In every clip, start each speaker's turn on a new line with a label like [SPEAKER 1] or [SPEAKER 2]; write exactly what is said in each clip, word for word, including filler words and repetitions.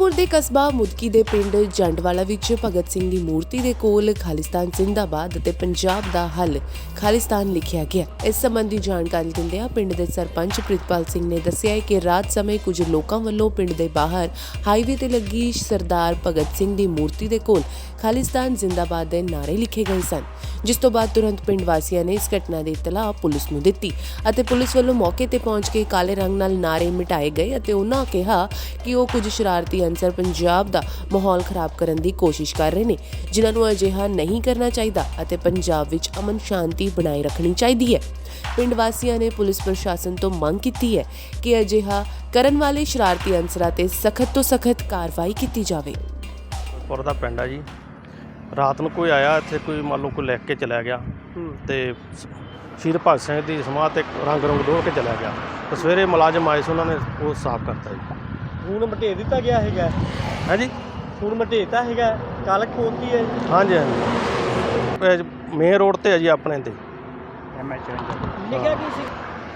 [SPEAKER 1] ਫਿਰੋਜ਼ਪੁਰ ਦੇ ਕਸਬਾ ਮੁਦਕੀ ਦੇ ਪਿੰਡ ਜੰਡਵਾਲਾ ਵਿੱਚ ਭਗਤ ਸਿੰਘ ਦੀ ਮੂਰਤੀ ਦੇ ਕੋਲ ਖਾਲਿਸਤਾਨ ਜ਼ਿੰਦਾਬਾਦ ਅਤੇ ਪੰਜਾਬ ਦਾ ਹੱਲ ਖਾਲਿਸਤਾਨ ਲਿਖਿਆ ਗਿਆ। ਇਸ ਸੰਬੰਧੀ ਜਾਣਕਾਰੀ ਦਿੰਦਿਆਂ ਪਿੰਡ ਦੇ ਸਰਪੰਚ ਪ੍ਰਿਤਪਾਲ ਸਿੰਘ ਨੇ ਦੱਸਿਆ ਕਿ ਰਾਤ ਸਮੇਂ ਕੁਝ ਲੋਕਾਂ ਵੱਲੋਂ ਪਿੰਡ ਦੇ ਬਾਹਰ ਹਾਈਵੇ ਤੇ ਲੱਗੀ ਸਰਦਾਰ ਭਗਤ ਸਿੰਘ ਦੀ ਮੂਰਤੀ ਦੇ ਕੋਲ ਖਾਲਿਸਤਾਨ ਜ਼ਿੰਦਾਬਾਦ ਦੇ ਨਾਅਰੇ ਲਿਖੇ ਗਏ ਸਨ, ਜਿਸ ਤੋਂ ਬਾਅਦ ਤੁਰੰਤ ਪਿੰਡ ਵਾਸੀਆਂ ਨੇ ਇਸ ਘਟਨਾ ਦੀ ਇਤਲਾਹ ਪੁਲਿਸ ਨੂੰ ਦਿੱਤੀ ਅਤੇ ਪੁਲਿਸ ਵੱਲੋਂ ਮੌਕੇ ਤੇ ਪਹੁੰਚ ਕੇ ਕਾਲੇ ਰੰਗ ਨਾਲ ਨਾਅਰੇ ਮਿਟਾਏ ਗਏ ਅਤੇ ਉਹਨਾਂ ਕਿਹਾ ਕਿ ਉਹ ਕੁਝ ਸ਼ਰਾਰਤੀ ਅਨਸਰ ਪੰਜਾਬ ਦਾ ਮਾਹੌਲ ਖਰਾਬ ਕਰਨ ਦੀ ਕੋਸ਼ਿਸ਼ ਕਰ ਰਹੇ ਨੇ, ਜਿਨ੍ਹਾਂ ਨੂੰ ਅਜਿਹਾ ਨਹੀਂ ਕਰਨਾ ਚਾਹੀਦਾ ਅਤੇ ਪੰਜਾਬ ਵਿੱਚ ਅਮਨ ਸ਼ਾਂਤੀ ਬਣਾਈ ਰੱਖਣੀ ਚਾਹੀਦੀ ਹੈ। ਪਿੰਡ ਵਾਸੀਆਂ ਨੇ ਪੁਲਿਸ ਪ੍ਰਸ਼ਾਸਨ ਤੋਂ ਮੰਗ ਕੀਤੀ ਹੈ ਕਿ ਅਜਿਹਾ ਕਰਨ ਵਾਲੇ ਸ਼ਰਾਰਤੀ ਅਨਸਰਾਂ ਤੇ ਸਖਤ ਤੋਂ ਸਖਤ ਕਾਰਵਾਈ ਕੀਤੀ ਜਾਵੇ।
[SPEAKER 2] ਪੁਰ ਦਾ ਪਿੰਡ ਆ ਜੀ। ਰਾਤ ਨੂੰ ਕੋਈ ਆਇਆ ਇੱਥੇ, ਕੋਈ ਮੰਨ ਲਓ ਕੋਈ ਲਿਖ ਕੇ ਚਲਾ ਗਿਆ ਤੇ ਸ਼ਹੀਦ ਭਗਤ ਸਿੰਘ ਦੀ ਸਮਾਧ ਤੇ ਰੰਗ ਰੰਗ ਡੋਲ ਕੇ ਚਲਾ ਗਿਆ ਤੇ ਸਵੇਰੇ ਮੁਲਾਜ਼ਮ ਆਏ ਸੀ, ਉਹਨਾਂ ਨੇ ਉਹ ਸਾਫ਼ ਕਰਤਾ ਜੀ।
[SPEAKER 3] ਹੁਣ ਮਟੇ ਦਿੱਤਾ ਗਿਆ ਹੈਗਾ
[SPEAKER 2] ਹੈ ਜੀ,
[SPEAKER 3] ਹੁਣ ਮਟੇਤਾ ਹੈਗਾ ਕਾਲਕ ਪੋਤੀ ਹੈ।
[SPEAKER 2] ਹਾਂਜੀ ਹਾਂਜੀ, ਮੇਨ ਰੋਡ ਤੇ ਹੈ ਜੀ ਆਪਣੇ ਤੇ
[SPEAKER 3] ਐਮ ਐਚ ਲਿਖਿਆ ਕੀ ਸੀ?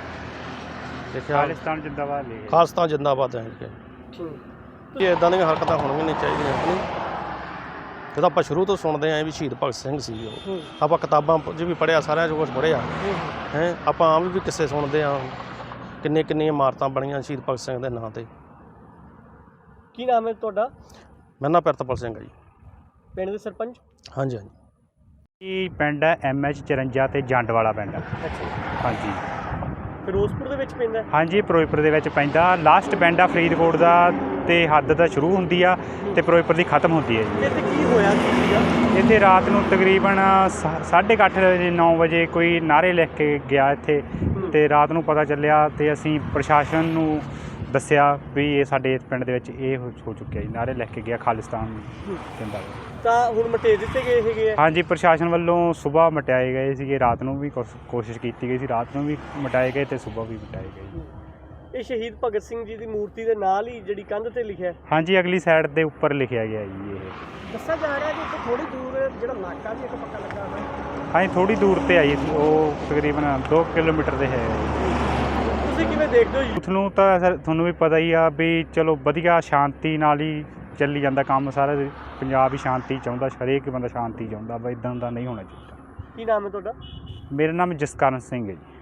[SPEAKER 2] ਲਿਖਿਆ
[SPEAKER 3] ਖਾਲਿਸਤਾਨ ਜਿੰਦਾਬਾਦ ਲਿਖਿਆ।
[SPEAKER 2] ਖਾਲਿਸਤਾਨ ਜਿੰਦਾਬਾਦ ਹੈ ਜੀ। ਇਦਾਂ ਦੀਆਂ ਹਰਕਤਾਂ ਹੋਣੀਆਂ ਨਹੀਂ ਚਾਹੀਦੀਆਂ ਆਪਣੀ। ਜਦੋਂ ਆਪਾਂ ਸ਼ੁਰੂ ਤੋਂ ਸੁਣਦੇ ਆਂ ਵੀ ਸ਼ਹੀਦ ਭਗਤ ਸਿੰਘ ਸੀ, ਉਹ ਆਪਾਂ ਕਿਤਾਬਾਂ 'ਚ ਵੀ ਪੜ੍ਹਿਆ, ਸਾਰਿਆਂ 'ਚ ਕੁਛ ਪੜ੍ਹਿਆ ਹੈ। ਆਪਾਂ ਆਮ ਵੀ ਕਿੱਸੇ ਸੁਣਦੇ ਹਾਂ, ਕਿੰਨੇ ਕਿੰਨੀਆਂ ਇਮਾਰਤਾਂ ਬਣੀਆਂ ਸ਼ਹੀਦ ਭਗਤ ਸਿੰਘ ਦੇ ਨਾਂ 'ਤੇ।
[SPEAKER 3] ਕੀ ਨਾਮ ਹੈ ਤੁਹਾਡਾ?
[SPEAKER 2] ਮੇਰਾ ਨਾਮ ਪ੍ਰਿਤਪਾਲ ਸਿੰਘ ਹੈ ਜੀ।
[SPEAKER 3] ਪਿੰਡ ਦੇ ਸਰਪੰਚ?
[SPEAKER 2] ਹਾਂਜੀ ਹਾਂਜੀ।
[SPEAKER 4] ਇਹ ਪਿੰਡ ਹੈ ਐਮ ਐਚ ਚੁਰੰਜਾ ਤੇ ਜੰਡਵਾਲਾ ਪਿੰਡ।
[SPEAKER 3] ਅੱਛਾ,
[SPEAKER 4] ਹਾਂਜੀ
[SPEAKER 3] ਫਿਰੋਜ਼ਪੁਰ ਦੇ ਵਿੱਚ ਪੈਂਦਾ?
[SPEAKER 4] ਹਾਂਜੀ, ਫਿਰੋਜ਼ਪੁਰ ਦੇ ਵਿੱਚ ਪੈਂਦਾ। ਲਾਸਟ ਪਿੰਡ ਆ ਫਰੀਦਕੋਟ ਦਾ ਤੇ ਹੱਦ ਤਾਂ ਸ਼ੁਰੂ ਹੁੰਦੀ ਆ ਤੇ ਫਿਰੋਜ਼ਪੁਰ ਦੀ ਖਤਮ ਹੁੰਦੀ ਹੈ ਜੀ।
[SPEAKER 3] ਇੱਥੇ ਕੀ ਹੋਇਆ ਸੀਗਾ?
[SPEAKER 4] ਇੱਥੇ ਰਾਤ ਨੂੰ ਤਕਰੀਬਨ ਸਾਢੇ ਕੁ ਅੱਠ ਵਜੇ ਨੌ ਵਜੇ ਕੋਈ ਨਾਅਰੇ ਲਿਖ ਕੇ ਗਿਆ ਇੱਥੇ, ਤੇ ਰਾਤ ਨੂੰ ਪਤਾ ਚੱਲਿਆ ਤੇ ਅਸੀਂ ਪ੍ਰਸ਼ਾਸਨ ਨੂੰ ਦੱਸਿਆ ਵੀ ਇਹ ਸਾਡੇ ਇਸ ਪਿੰਡ ਦੇ ਵਿੱਚ ਇਹ ਹੋ ਹੋ ਚੁੱਕਿਆ ਜੀ, ਨਾਅਰੇ ਲਿਖ ਕੇ ਗਿਆ ਖਾਲਿਸਤਾਨ ਜ਼ਿੰਦਾਬਾਦ।
[SPEAKER 3] ਤਾਂ ਹੁਣ ਮਟੇ ਦਿੱਤੇ ਗਏ ਹੈਗੇ ਆ?
[SPEAKER 4] ਹਾਂਜੀ, ਪ੍ਰਸ਼ਾਸਨ ਵੱਲੋਂ ਸੁਬਾਹ ਮਟਾਏ ਗਏ ਸੀਗੇ, ਰਾਤ ਨੂੰ ਵੀ ਕੋਸ਼- ਕੋਸ਼ਿਸ਼ ਕੀਤੀ ਗਈ ਸੀ, ਰਾਤ ਨੂੰ ਵੀ ਮਟਾਏ ਗਏ ਤੇ ਸੁਬਾਹ ਵੀ ਮਟਾਏ ਗਏ।
[SPEAKER 3] ਇਹ ਸ਼ਹੀਦ ਭਗਤ ਸਿੰਘ ਜੀ ਦੀ ਮੂਰਤੀ ਦੇ ਨਾਲ ਹੀ ਜਿਹੜੀ ਕੰਧ ਤੇ ਲਿਖਿਆ?
[SPEAKER 4] ਹਾਂਜੀ, ਅਗਲੀ ਸਾਈਡ ਦੇ ਉੱਪਰ ਲਿਖਿਆ ਗਿਆ ਜੀ। ਇਹ
[SPEAKER 3] ਦੱਸਿਆ ਜਾ ਰਿਹਾ ਕਿ ਇੱਥੇ ਥੋੜੀ ਦੂਰ ਜਿਹੜਾ ਨਾਕਾ ਵੀ ਇੱਕ ਪੱਕਾ ਲੱਗਾ ਹੋਇਆ।
[SPEAKER 4] ਹਾਂਜੀ, ਥੋੜੀ ਦੂਰ ਤੇ ਆਈ, ਉਹ ਤਕਰੀਬਨ ਦੋ ਕਿਲੋਮੀਟਰ ਦੇ ਹੈ।
[SPEAKER 3] ਤੁਸੀਂ ਕਿਵੇਂ ਦੇਖਦੇ ਹੋ ਜੀ?
[SPEAKER 4] ਤੁਹਾਨੂੰ ਤਾਂ ਸਰ ਤੁਹਾਨੂੰ ਵੀ ਪਤਾ ਹੀ ਆ ਵੀ ਚਲੋ ਵਧੀਆ ਸ਼ਾਂਤੀ ਨਾਲ ਹੀ ਚੱਲੀ ਜਾਂਦਾ ਕੰਮ ਸਾਰਾ। ਪੰਜਾਬ ਹੀ ਸ਼ਾਂਤੀ ਚਾਹੁੰਦਾ, ਹਰੇਕ ਬੰਦਾ ਸ਼ਾਂਤੀ ਚਾਹੁੰਦਾ, ਬਈ ਇੱਦਾਂ ਦਾ ਨਹੀਂ ਹੋਣਾ ਚਾਹੀਦਾ।
[SPEAKER 3] ਕੀ ਨਾਮ ਹੈ ਤੁਹਾਡਾ?
[SPEAKER 4] ਮੇਰਾ ਨਾਮ ਜਸਕਰਨ ਸਿੰਘ ਹੈ ਜੀ।